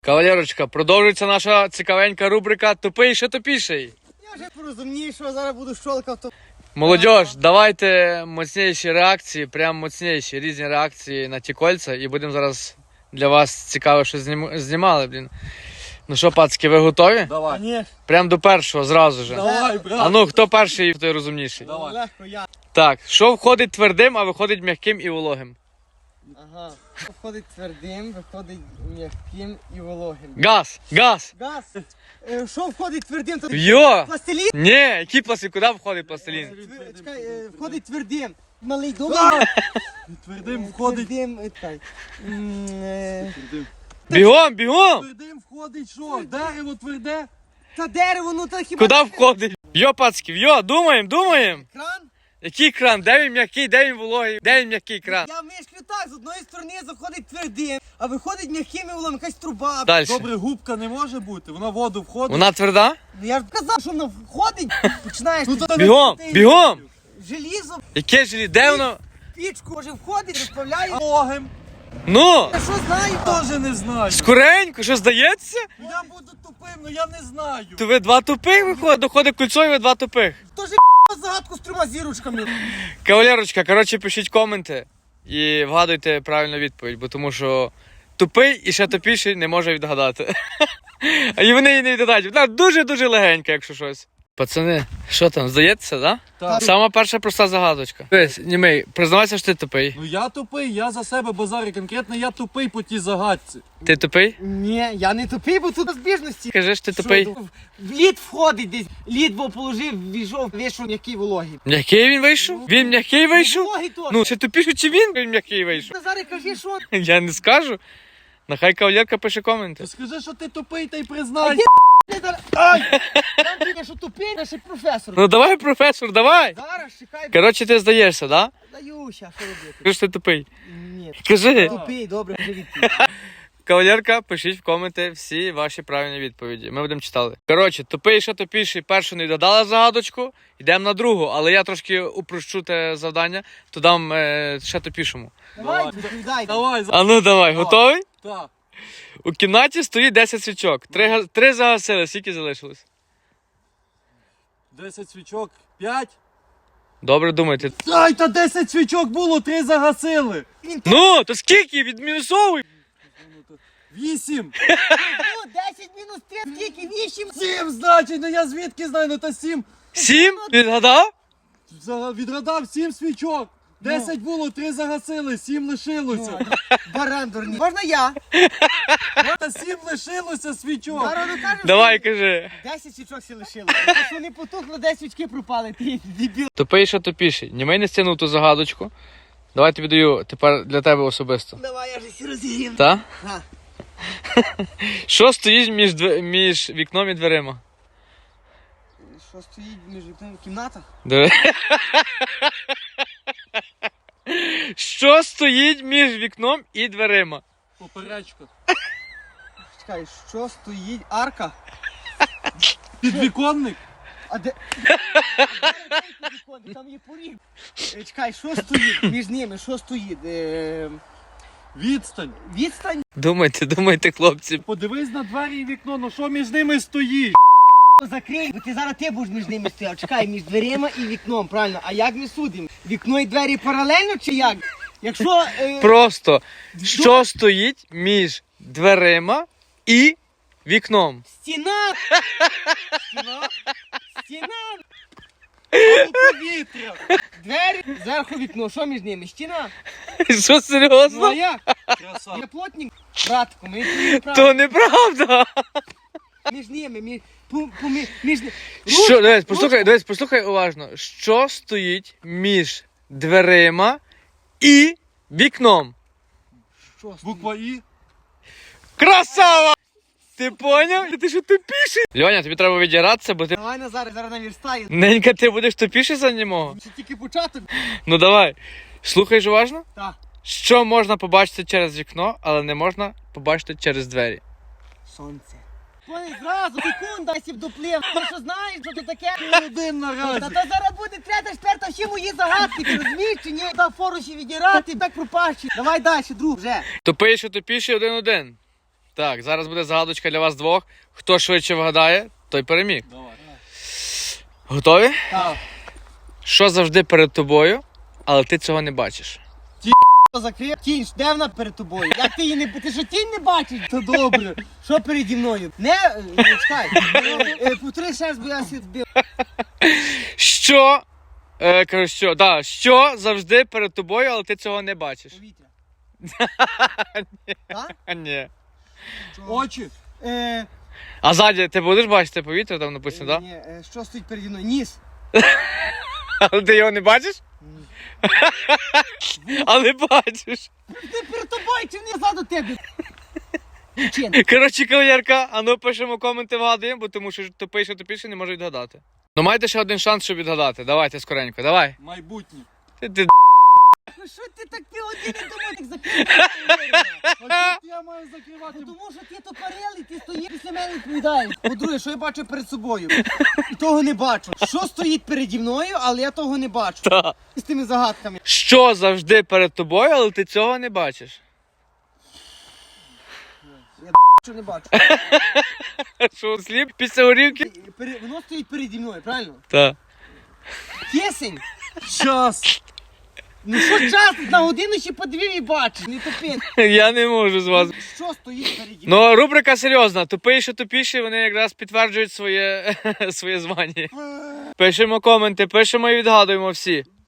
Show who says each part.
Speaker 1: Кавалерочка, продовжується наша цікавенька рубрика «Тупий, що тупіший».
Speaker 2: Я вже порозумію, що зараз буду щолкав.
Speaker 1: Молодіж, давайте моцніші реакції, прям моцніші, різні реакції на ті кольця. І будемо зараз для вас цікаво, що знімали, блін. Ну що, пацки, ви готові?
Speaker 3: Давай.
Speaker 2: Ні.
Speaker 1: Прям до першого, зразу же.
Speaker 3: Давай, брат.
Speaker 1: А ну, хто перший, той розумніший.
Speaker 3: Давай.
Speaker 2: Легко я.
Speaker 1: Так, що входить твердим, а виходить м'яким і вологим?
Speaker 2: Ага. Виходить твердим, виходить м'яким і вологим.
Speaker 1: Газ, газ.
Speaker 2: Газ. Що входить твердим? То
Speaker 1: Йо!
Speaker 2: пластилін?
Speaker 1: Ні, який пластилін, куди входить пластилін?
Speaker 2: Чекай, входить твердим. Малий дома.
Speaker 3: Твердим входить.
Speaker 2: Твердим, чекай.
Speaker 1: Бігом, бігом!
Speaker 3: Твердим входить що? Дерево тверде?
Speaker 2: Та дерево, ну та хіба...
Speaker 1: Куди входить? Йо, пацки, йо, думаємо.
Speaker 2: Кран?
Speaker 1: Який кран? Де він м'який, де він вологий, де він м'який кран?
Speaker 2: Я мишклю так, з одної сторони заходить твердим, а виходить м'яким і волом, якась труба.
Speaker 1: Далі.
Speaker 3: Добре, губка не може бути, вона в воду входить.
Speaker 1: Вона тверда?
Speaker 2: Ну я ж казав, що вона входить, починаєш
Speaker 3: Ну,
Speaker 2: ти
Speaker 3: то
Speaker 1: Бігом,
Speaker 2: ти-
Speaker 1: бігом!
Speaker 2: Желізо,
Speaker 1: Яке ж, де воно?
Speaker 2: пічку, може входить, розправляє.
Speaker 3: Логим.
Speaker 1: Ну,
Speaker 2: Я що знаю?
Speaker 3: Теж не знаю.
Speaker 1: скоренько, що здається?
Speaker 3: Я буду тупим, але я не знаю.
Speaker 1: То ви два тупих виходить, доходить кольцо і ви два тупих.
Speaker 2: Хто ж загадку з трьома зірочками?
Speaker 1: Кавалерочка, коротше, пишіть коменти і вгадуйте правильну відповідь, бо тому що тупий і ще тупіший не може відгадати. І вони її не відгадають. Вона дуже-дуже легенька, якщо щось. Пацани, що там, здається, да?
Speaker 3: Так.
Speaker 1: Сама перша проста загадочка. Дивись, німей, признавайся, що ти тупий.
Speaker 3: Ну я тупий, я за себе базарю. Конкретно я тупий по тій загадці.
Speaker 1: Ти тупий?
Speaker 2: Ні, я не тупий, бо тут розбіжності.
Speaker 1: Кажи, що ти тупий.
Speaker 2: В лід входить десь, лід бо положив, війшов, вийшов м'який вологий.
Speaker 1: М'який він вийшов? Він м'який вийшов?
Speaker 2: Вологий теж.
Speaker 1: Ну, чи тупіший, чи він м'який вийшов?
Speaker 2: Назаре, кажи, що?
Speaker 1: Я не скажу. Нехай кавалерка пише коменти.
Speaker 3: То скажи, що ти тупий, та й признай.
Speaker 2: Ай! Там тільки, що тупий, наш професор.
Speaker 1: Ну давай, професор, давай.
Speaker 2: Зараз, чекай,
Speaker 1: Коротше, ти здаєшся, да?
Speaker 2: даюся, що робити?
Speaker 1: Кажи, що ти тупий.
Speaker 2: Ні,
Speaker 1: Кажи.
Speaker 2: тупий, добре, вже відповідь.
Speaker 1: Кавалерка, пишіть в коменти всі ваші правильні відповіді. Ми будемо читати. Коротше, тупий, що тупіший, першу не додала загадочку, йдемо на другу, але я трошки упрощу те завдання, то дам ще тупішому.
Speaker 2: Давай,
Speaker 3: Давай.
Speaker 2: відповідай.
Speaker 3: Давай,
Speaker 1: А ну давай, готовий?
Speaker 3: Так.
Speaker 1: У кімнаті стоїть 10 свічок. Три загасили, скільки залишилось?
Speaker 3: 10 свічок, 5.
Speaker 1: Добре думайте.
Speaker 3: Ай, та 10 свічок було, 3 загасили.
Speaker 1: Ну, то скільки? Відмінусовуй!
Speaker 3: 8.
Speaker 2: Ну, 10 мінус 3, скільки? 8?
Speaker 3: 7, значить, ну я звідки знаю, ну та 7.
Speaker 1: 7? Відгадав?
Speaker 3: Відгадав 7 свічок. 10 було, 3 загасили, 7 лишилося.
Speaker 2: Баран дурний. Можна я?
Speaker 3: Та 7 лишилося свічок.
Speaker 2: Зараз ну кажеш,
Speaker 1: Давай, кажи.
Speaker 2: 10 свічок всі лишили. Тому що вони потухли, 10 свічки пропали, ти дебіл.
Speaker 1: Тупий, що тупіший. Німей не стягнув ту загадочку. Давай тобі даю тепер для тебе особисто.
Speaker 2: Давай, я ж всі розігрів.
Speaker 1: Та?
Speaker 2: Ага.
Speaker 1: Що стоїть між вікном і дверима?
Speaker 2: Що стоїть між вікном в кімнатах?
Speaker 1: Диви. Що стоїть між вікном і дверима?
Speaker 3: Поперечка.
Speaker 2: Чекай, що стоїть? Арка?
Speaker 3: Підвіконник.
Speaker 2: А де? Там є поріг. Чекай, що стоїть між ними? Що стоїть?
Speaker 3: Відстань.
Speaker 2: Відстань?
Speaker 1: Думайте, хлопці.
Speaker 3: Подивись на двері і вікно, ну що між ними стоїть?
Speaker 2: Закрий, бо ти зараз ти будеш між ними стояв. Чекай, між дверима і вікном, правильно? А як ми судимо? Вікно і двері паралельно чи як? Якщо...
Speaker 1: Просто, що стоїть між дверима і вікном?
Speaker 2: Стіна! Стіна! Стіна!
Speaker 3: Повітря.
Speaker 2: Двері, зверху вікно. Що між ними? Стіна?
Speaker 1: Що,
Speaker 2: Ну а
Speaker 1: серйозно?
Speaker 2: як?
Speaker 3: Краса.
Speaker 2: Я плотник, братку, ми відповіли
Speaker 1: То
Speaker 2: правильно.
Speaker 1: неправда.
Speaker 2: Між ними,
Speaker 1: Що, дивись, послухай уважно. Що стоїть між дверима і вікном?
Speaker 2: Що стоїть?
Speaker 3: Буква І.
Speaker 1: Красава! Ти поняв? Ти що тупіший? Льоня, тобі треба відіратися, бо ти...
Speaker 2: Давай Назар, зараз наверстаю.
Speaker 1: Ненька, ти будеш тупіший за нього?
Speaker 2: Це тільки початок.
Speaker 1: Ну давай. Слухаєш уважно?
Speaker 2: Так.
Speaker 1: Що можна побачити через вікно, але не можна побачити через двері?
Speaker 2: Сонце. Вони зразу, секунда, сів доплив. Ти що знаєш, що це таке?
Speaker 3: Один
Speaker 2: Та
Speaker 3: наразі.
Speaker 2: то зараз буде третя, четверта, всі мої загадки, ти розумієш чи ні? Та фору ще відірати, так пропащі. Давай далі, друг, вже.
Speaker 1: Тупий, що тупіший 1-1. Так, зараз буде загадочка для вас двох. Хто швидше вгадає, той переміг.
Speaker 3: Давай.
Speaker 1: Готові?
Speaker 2: Так.
Speaker 1: Що завжди перед тобою, але ти цього не бачиш?
Speaker 2: Закрив тінь, де вона перед тобою? Як ти її не ти що тінь не бачиш? То добре. Що переді мною? Не чекай. Повтори ще раз, бо я збив.
Speaker 1: Що? Кажу, що? Да, що завжди перед тобою, але ти цього не бачиш?
Speaker 2: Повітря. Так?
Speaker 1: А ні.
Speaker 3: Очі.
Speaker 1: А ззаді ти будеш бачити повітря, там написано, так?
Speaker 2: Ні, що стоїть переді мною? Ніс.
Speaker 1: Але ти його не бачиш? Але бачиш.
Speaker 2: Ти перед тобою чи не ззаду тебе? Причина.
Speaker 1: Коротше, кавалерка, а ну пишемо коменти, вгадуємо, бо тому що тупий, що тупіше, не може відгадати. Ну маєте ще один шанс, щоб відгадати. Давайте скоренько, давай.
Speaker 3: Майбутнє.
Speaker 1: Ти
Speaker 2: Ну що ти так півгодини тому так закриваєш?
Speaker 3: А тут я маю закривати.
Speaker 2: Тому що ти тупорилий, ти стоїш після мене відповідаєш. По-друге, що я бачу перед собою? І того не бачу. Що стоїть переді мною, але я того не бачу.
Speaker 1: Та.
Speaker 2: І з тими загадками.
Speaker 1: Що завжди перед тобою, але ти цього не бачиш?
Speaker 2: Що не бачу.
Speaker 1: Що, сліп після горівки?
Speaker 2: Воно стоїть переді мною, правильно?
Speaker 1: Так.
Speaker 2: Кисень.
Speaker 3: Час.
Speaker 2: Ну що час? На годину ще по дві і бачиш. Не тупи.
Speaker 1: Я не можу з вас.
Speaker 2: Що стоїть переді мною?
Speaker 1: Ну, рубрика серйозна. Тупий, що тупіші, вони якраз підтверджують своє звання. Пишемо коменти, пишемо і відгадуємо всі.